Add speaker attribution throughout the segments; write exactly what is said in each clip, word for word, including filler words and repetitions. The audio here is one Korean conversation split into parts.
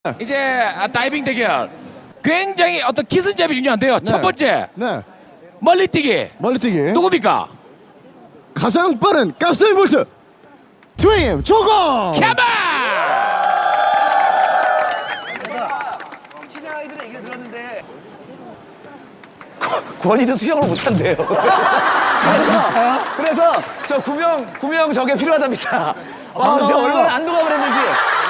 Speaker 1: 이제 다이빙 대결. 굉장히 어떤 기선제압이 중요한데요.
Speaker 2: 네.
Speaker 1: 첫 번째
Speaker 2: 네.
Speaker 1: 멀리뛰기.
Speaker 2: 멀리뛰기.
Speaker 1: 누굽니까?
Speaker 2: 가장 빠른 깝스인 볼트. 트레임 조건.
Speaker 1: 캐마.
Speaker 3: 시장 아이들의 얘기를 들었는데 권희도 수영을 못한대요. 그래서, 그래서 저 구명 구명 저게 필요하답니다. 와, 진짜 얼마나 안도감을 했는지.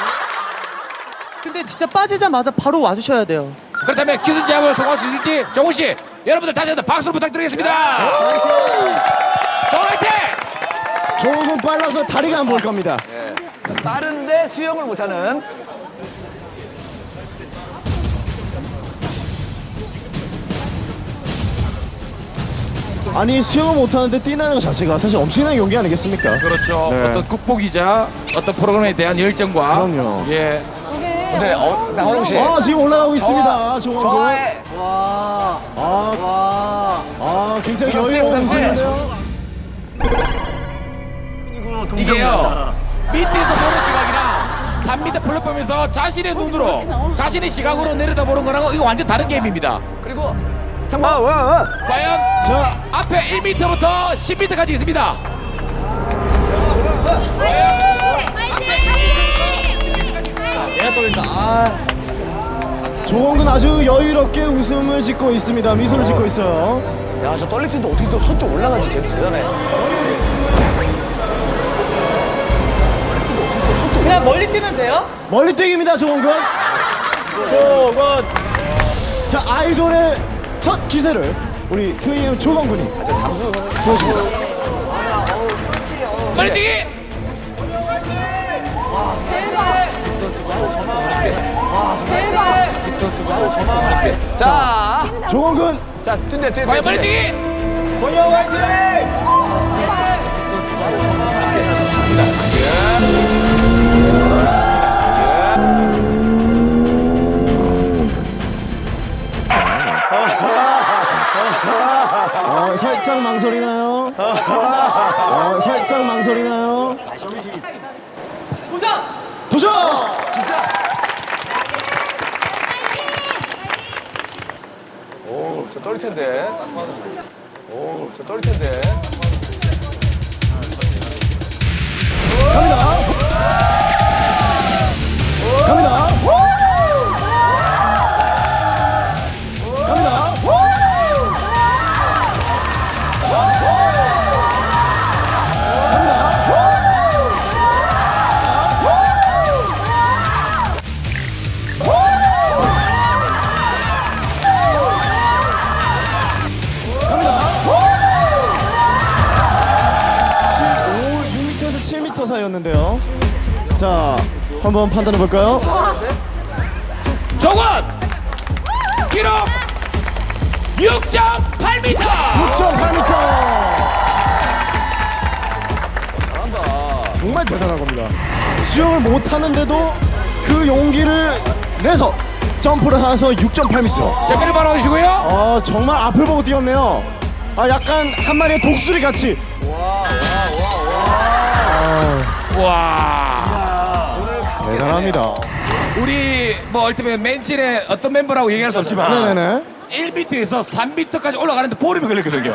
Speaker 4: 근데 진짜 빠지자마자 바로 와주셔야 돼요.
Speaker 1: 그렇다면 기선제압을 성공할 수 있을지 정훈 씨, 여러분들 다시 한번 박수로 부탁드리겠습니다. 정훈 화이팅!
Speaker 2: 조금 빨라서 다리가 안 보일 겁니다.
Speaker 3: 빠른데 수영을 못하는.
Speaker 2: 아니 수영을 못하는데 뛰는 것 자체가 사실 엄청난 용기 아니겠습니까?
Speaker 1: 그렇죠.
Speaker 2: 네.
Speaker 1: 어떤 극복이자 어떤 프로그램에 대한 열정과
Speaker 2: 그럼요.
Speaker 1: 예.
Speaker 3: 근데 어, 나원웅 씨.
Speaker 2: 아 지금 올라가고 있습니다. 조건군.
Speaker 3: 저의
Speaker 2: 와. 아, 와. 아 굉장히
Speaker 3: 그렇지,
Speaker 2: 여유로운
Speaker 3: 그렇지.
Speaker 2: 모습인데요.
Speaker 1: 이게요. 밑에서 보는 시각이랑 삼 미터 플랫폼에서 자신의 눈으로 자신의 시각으로 내려다보는 거랑은 이거 완전 다른 게임입니다.
Speaker 3: 그리고 잠깐. 아, 와, 와.
Speaker 1: 과연
Speaker 2: 자,
Speaker 1: 앞에 일 미터부터 십 미터까지 있습니다.
Speaker 2: 조건군 아주 여유롭게 웃음을 짓고 있습니다. 미소를 짓고 있어요.
Speaker 3: 야, 저 떨릴 텐데 어떻게 또 선뜻 올라가지? 쟤도 대단해.
Speaker 4: 그냥 멀리 뛰면 돼요?
Speaker 2: 멀리 뛰기입니다, 조건군. 조건. 자, 아이돌의 첫 기세를 우리 트웨이엠 조건군이
Speaker 3: 잠수
Speaker 2: 보여줍니다.
Speaker 1: 멀리뛰기.
Speaker 3: 자,
Speaker 2: 조건군.
Speaker 3: 자, 뛴대, 뛴대.
Speaker 1: 과연 멀리뛰기.
Speaker 2: 어, 살짝 망설이나요? 어, 살짝 망설이나요?
Speaker 4: 도전!
Speaker 2: 도전!
Speaker 3: 오, 저 떨릴 텐데. 오, 저 떨릴 텐데.
Speaker 2: 갑니다. 갑니다. 갑니다. 육 미터에서 칠 미터 사이였는데요. 자, 한번 판단해 볼까요?
Speaker 1: 조건 기록 육 점 팔 미터.
Speaker 2: 육 점 팔 미터. 정말 대단한 겁니다. 수영을 못 하는데도 그 용기를 내서 점프를 해서 육 점 팔 미터.
Speaker 1: 자, 그리 바로 오시고요.
Speaker 2: 아, 정말 앞을 보고 뛰었네요. 아, 약간 한 마리의 독수리 같이.
Speaker 1: 와.
Speaker 2: 대단합니다.
Speaker 1: 우리 뭐 얼티밋 맨진의 어떤 멤버라고 얘기할 수 없지만
Speaker 2: 네네네.
Speaker 1: 일 미터에서 삼 미터까지 올라가는데 보름이 걸렸거든요.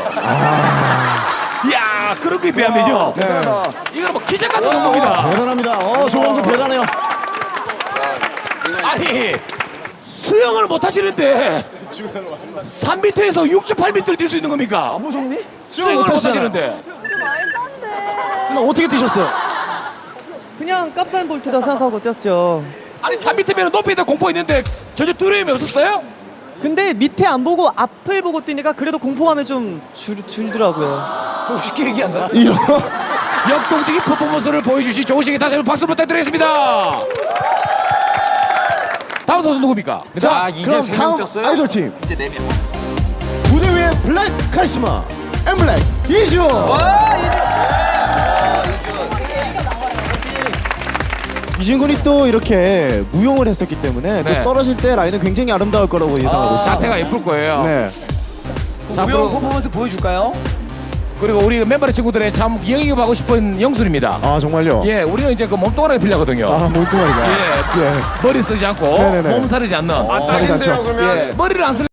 Speaker 1: 이야, 그런 거에 비하면요.
Speaker 2: 네.
Speaker 1: 이거는 뭐 기적 같은 성공입니다.
Speaker 2: 대단합니다. 어, 조원구 대단해요.
Speaker 1: 아니, 수영을 못 하시는데 삼 미터에서 육 점 팔 미터를 뛸 수 있는 겁니까?
Speaker 3: 무섭니?
Speaker 1: 수영을 못
Speaker 2: 하시잖아요.
Speaker 1: 하시는데.
Speaker 2: 근데 어떻게 뛰셨어요?
Speaker 4: 그냥 깝사인 볼트다 생각하고 뛰었죠.
Speaker 1: 아니, 삼 미터면 높이에다 공포 있는데 전혀 두려움이 없었어요?
Speaker 4: 근데 밑에 안 보고 앞을 보고 뛰니까 그래도 공포감이 좀 줄, 줄더라고요.
Speaker 3: 쉽게 얘기한다.
Speaker 2: 이런.
Speaker 1: 역동적인 퍼포먼스를 보여주신 조훈 씨에게 다시 한번 박수 부탁드리겠습니다. 다음 선수 누굽니까?
Speaker 2: 자,
Speaker 3: 이제
Speaker 2: 그럼
Speaker 3: 세명
Speaker 2: 다음
Speaker 3: 뛰었어요?
Speaker 2: 아이돌 팀. 이제 네 명. 무대 위에 블랙 카리스마 엠블랙 이준. 이준 군이 또 이렇게 무용을 했었기 때문에
Speaker 1: 네.
Speaker 2: 또 떨어질 때 라인은 굉장히 아름다울 거라고 예상하고 있습니다.
Speaker 1: 자태가 예쁠 거예요.
Speaker 2: 네.
Speaker 1: 자,
Speaker 3: 무용
Speaker 1: 앞으로
Speaker 3: 퍼포먼스 보여줄까요?
Speaker 1: 그리고 우리 멤버의 친구들의 참 영입하고 싶은 영순입니다.
Speaker 2: 아 정말요?
Speaker 1: 예, 우리는 이제 그 몸뚱아리를 빌려거든요.
Speaker 2: 아 몸뚱아리가.
Speaker 1: 예,
Speaker 2: 예.
Speaker 1: 머리 쓰지 않고
Speaker 2: 네네네.
Speaker 1: 몸 사르지 않는.
Speaker 2: 사르지 않죠.
Speaker 1: 예, 머리를 안 쓸.